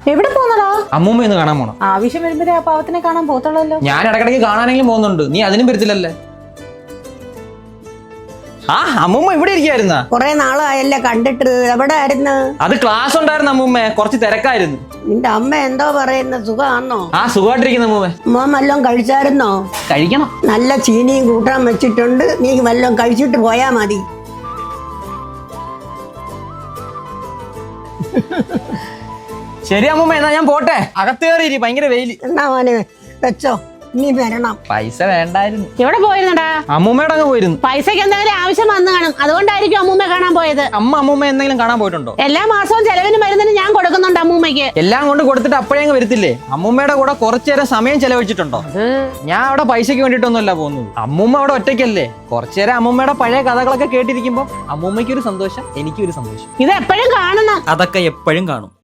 എവിടെ പോന്നടാ? അമ്മൂമ്മ ഒന്ന് കാണാൻ പോണം. ആവശ്യം വരുമ്പോഴേ ആ പാവത്തിനെ കാണാൻ പോത്തുള്ളല്ലോ. ഞാൻ ഇടക്കിടയ്ക്ക് കാണാനെങ്കിലും പോകുന്നുണ്ട്, നീ അതിനും വരത്തില്ലല്ലേ? ആ അമ്മൂമ്മ ഇവിടെ ഇരിക്കായിരുന്ന? കൊറേ നാളായല്ലേ കണ്ടിട്ട്. എവിടെ ആയിരുന്നു? അത് ക്ലാസ് ഉണ്ടായിരുന്നു അമ്മൂമ്മ, കുറച്ച് തിരക്കായിരുന്നു. നിന്റെ അമ്മ എന്തോ പറയുന്ന സുഖാന്നോ? ആ സുഖമായിട്ടിരിക്കുന്ന അമ്മൂമ്മ. മോൻ വല്ലോം കഴിച്ചായിരുന്നോ? കഴിക്കണം. നല്ല ചീനിയും കൂട്ടാൻ വെച്ചിട്ടുണ്ട്, നീ വല്ലോം കഴിച്ചിട്ട് പോയാ മതി. ശരി അമ്മൂമ്മ, എന്നാ ഞാൻ പോട്ടെ, അകത്ത് കയറിയിരി, ഭയങ്കര വെയില്. എന്നാ മോനെ വെച്ചോ, നീ വരണം. പൈസ വേണ്ടായിരുന്നു. എവിടെ പോയിരുന്നടാ? അമ്മൂമ്മയുടെ അങ്ങ് പോയിരുന്നു. പൈസക്ക് എന്തെങ്കിലും ആവശ്യം വന്നു കാണും, അതുകൊണ്ടായിരിക്കും അമ്മൂമ്മ കാണാൻ പോയത്. അമ്മൂമ്മ എന്തെങ്കിലും കാണാൻ പോയിട്ടുണ്ടോ? എല്ലാ മാസവും ചെലവിന് മരുന്നിന് ഞാൻ കൊടുക്കുന്നുണ്ട് അമ്മൂമ്മയ്ക്ക്. എല്ലാം കൊണ്ട് കൊടുത്തിട്ട് അപ്പോഴേ അങ്ങ് വരത്തില്ലേ? അമ്മൂമ്മയുടെ കൂടെ കുറച്ചു നേരം സമയം ചെലവഴിച്ചിട്ടുണ്ടോ? ഞാൻ അവിടെ പൈസക്ക് വേണ്ടിയിട്ടൊന്നുമല്ല പോകുന്നത്. അമ്മൂമ്മ അവിടെ ഒറ്റയ്ക്കല്ലേ, കുറച്ചു നേരം അമ്മൂമ്മയുടെ പഴയ കഥകളൊക്കെ കേട്ടിരിക്കുമ്പോ അമ്മൂമ്മയ്ക്കൊരു സന്തോഷം, എനിക്കൊരു സന്തോഷം. ഇത് എപ്പോഴും കാണണം. അതൊക്കെ എപ്പോഴും കാണും.